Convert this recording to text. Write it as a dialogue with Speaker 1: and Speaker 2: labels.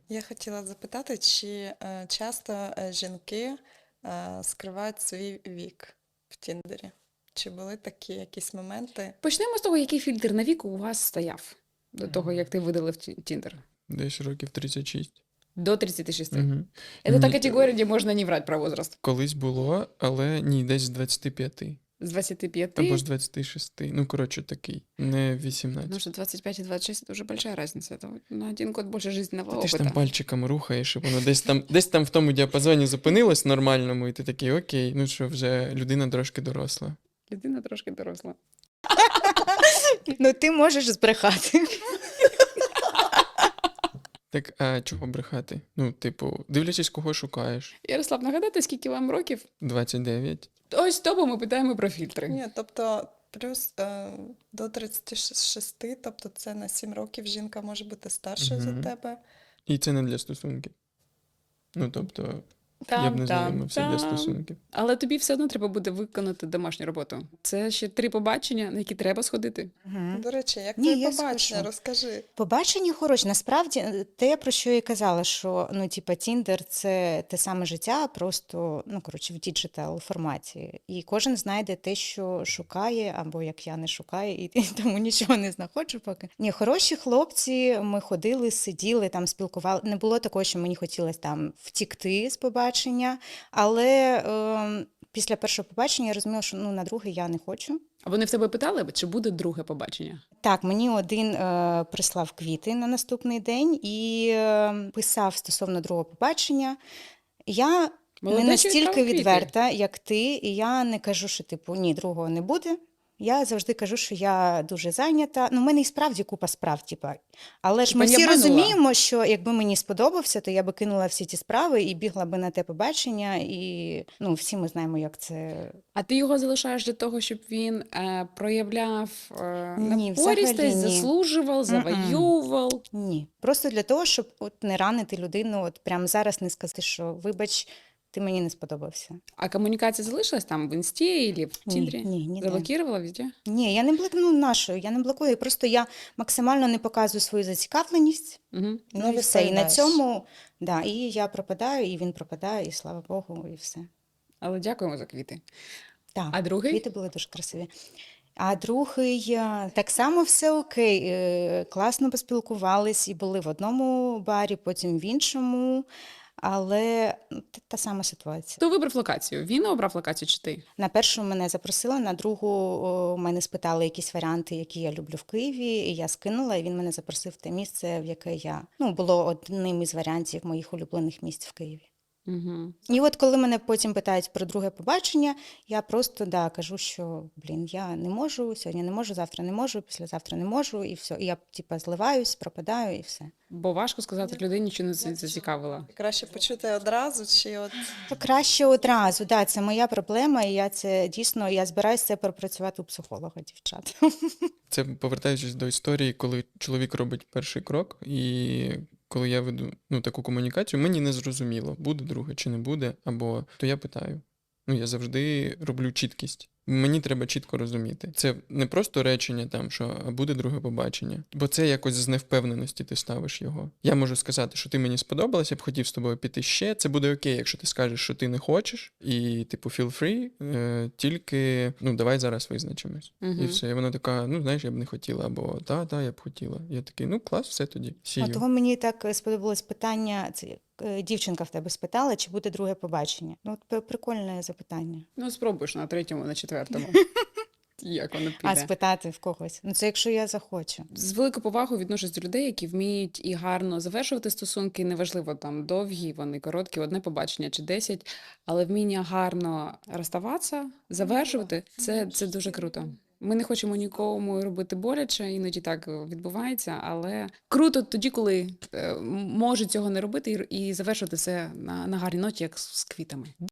Speaker 1: Я хотіла запитати, чи часто жінки скривають свій вік в Тіндері? Чи були такі якісь моменти?
Speaker 2: Почнемо з того, який фільтр на вік у вас стояв до того, як ти видалив Тіндер.
Speaker 3: Десь років 36.
Speaker 2: До 36.
Speaker 3: Угу.
Speaker 2: Это та
Speaker 3: Ні,
Speaker 2: категорія, де можна не врать про возраст.
Speaker 3: колись було, але ні, десь з 25.
Speaker 2: З 25,
Speaker 3: Або з 26. Ну, коротше, такий. Не 18.
Speaker 2: потому что 25 и 26 это уже большая разница. Это вот на 1 год больше жизненного
Speaker 3: Ти ж там
Speaker 2: опыта.
Speaker 3: пальчиком рухаєш, і воно десь там в тому діапазоні зупинилось нормальному, і ти такий, окей, ну що, вже людина трошки доросла.
Speaker 2: Людина трошки доросла.
Speaker 4: Ну, ти можеш збрехати.
Speaker 3: Так, а чого брехати? Ну, типу, дивлячись, кого шукаєш.
Speaker 2: Ярослав, нагадайте, скільки вам років?
Speaker 3: 29.
Speaker 2: Ось того ми питаємо про фільтри.
Speaker 1: Ні, тобто плюс до 36, тобто це на 7 років жінка може бути старшою за
Speaker 3: Мгм.
Speaker 1: тебе.
Speaker 3: І це не для стосунків. Ну, тобто, я б не знайомився для стосунків.
Speaker 2: Але тобі все одно треба буде виконати домашню роботу. Це ще 3 побачення, на які треба сходити.
Speaker 1: До речі, як
Speaker 4: Ні,
Speaker 1: твоє
Speaker 4: я
Speaker 1: побачення?
Speaker 4: скажу.
Speaker 1: Розкажи.
Speaker 4: Побачення хороші. Насправді, те, про що я казала, що ну, типа, Тіндер це те саме життя, просто ну, коротше, в діджитал форматі. І кожен знайде те, що шукає, або як я не шукаю, і тому нічого не знаходжу поки. Ні, хороші хлопці, ми ходили, сиділи, там спілкували. Не було такого, що мені хотілося там втікти з побачення, але після першого побачення я розуміла, що ну, на друге я не хочу.
Speaker 2: А вони в тебе питали, чи буде друге побачення?
Speaker 4: Так, мені один прислав квіти на наступний день і писав стосовно другого побачення. Я
Speaker 2: Молодець,
Speaker 4: не
Speaker 2: що
Speaker 4: настільки
Speaker 2: відправив квіти.
Speaker 4: відверта, як ти, і я не кажу, що типу ні, другого не буде. Я завжди кажу, що я дуже зайнята. Ну, в мене і справді купа справ, типа. Але ж
Speaker 2: Типа
Speaker 4: ми
Speaker 2: не
Speaker 4: всі
Speaker 2: обманула?
Speaker 4: розуміємо, що якби мені сподобався, то я би кинула всі ті справи і бігла би на те побачення. І ну, всі ми знаємо, як це.
Speaker 2: А ти його залишаєш для того, щоб він проявляв
Speaker 4: Ні,
Speaker 2: напористость,
Speaker 4: взагалі ні.
Speaker 2: заслужував, завоював.
Speaker 4: Ні. Просто для того, щоб от не ранити людину, от прямо зараз не сказати, що вибач, ти мені не сподобався.
Speaker 2: А комунікація залишилась там в Інсті або в Тіндері?
Speaker 4: Ні, ніде.
Speaker 2: Заблокувала везде?
Speaker 4: Ні, я не блокую нашою, я не блокую. Просто я максимально не показую свою зацікавленість.
Speaker 2: Угу.
Speaker 1: Не
Speaker 4: І все. І на
Speaker 1: відповідаєш.
Speaker 4: цьому, да, і я пропадаю, і він пропадає, і слава Богу, і все.
Speaker 2: Але дякуємо за квіти.
Speaker 4: Так,
Speaker 2: А другий?
Speaker 4: квіти були дуже красиві. А другий, так само все окей. Класно поспілкувались і були в одному барі, потім в іншому. Але ну, та сама ситуація.
Speaker 2: Хто вибрав локацію? Він обрав локацію чи ти?
Speaker 4: На першу мене запросила, на другу мене спитали якісь варіанти, які я люблю в Києві, і я скинула, і він мене запросив в те місце, в яке я, ну, було одним із варіантів моїх улюблених місць в Києві.
Speaker 2: Угу.
Speaker 4: І от коли мене потім питають про друге побачення, я просто кажу, що, я не можу, сьогодні не можу, завтра не можу, післязавтра не можу, і все. І я, зливаюсь, пропадаю, і все.
Speaker 2: Бо важко сказати людині, що не зацікавила.
Speaker 1: Краще почути одразу, чи от
Speaker 4: Краще одразу, це моя проблема, і я це дійсно, я збираюся це пропрацювати у психолога, дівчат.
Speaker 3: Це повертаючись до історії, коли чоловік робить перший крок, і коли я веду таку комунікацію, мені не зрозуміло, буде друге чи не буде, або то я питаю. Я завжди роблю чіткість. Мені треба чітко розуміти. Це не просто речення там, що «а буде друге побачення», бо це якось з невпевненості ти ставиш його. Я можу сказати, що ти мені сподобалась, я б хотів з тобою піти ще. Це буде окей, якщо ти скажеш, що ти не хочеш, і типу feel free, тільки давай зараз визначимось.
Speaker 2: Мгм.
Speaker 3: І все. І вона така, знаєш, я б не хотіла, або та, я б хотіла. Я такий, клас, все тоді. See
Speaker 4: А
Speaker 3: you.
Speaker 4: того мені так сподобалось питання, це дівчинка в тебе спитала, чи буде друге побачення. От прикольне запитання.
Speaker 2: Ну, спробуєш на 3-му, на 4-му. Як воно
Speaker 4: А
Speaker 2: піде.
Speaker 4: спитати в когось. Це якщо я захочу.
Speaker 2: З великою повагою відношусь до людей, які вміють і гарно завершувати стосунки, неважливо, там, довгі, вони короткі, одне побачення чи 10, але вміння гарно розставатися, завершувати, це дуже круто. Ми не хочемо нікому робити боляче, іноді так відбувається, але круто тоді, коли можуть цього не робити і завершувати все на гарній ноті, як з квітами.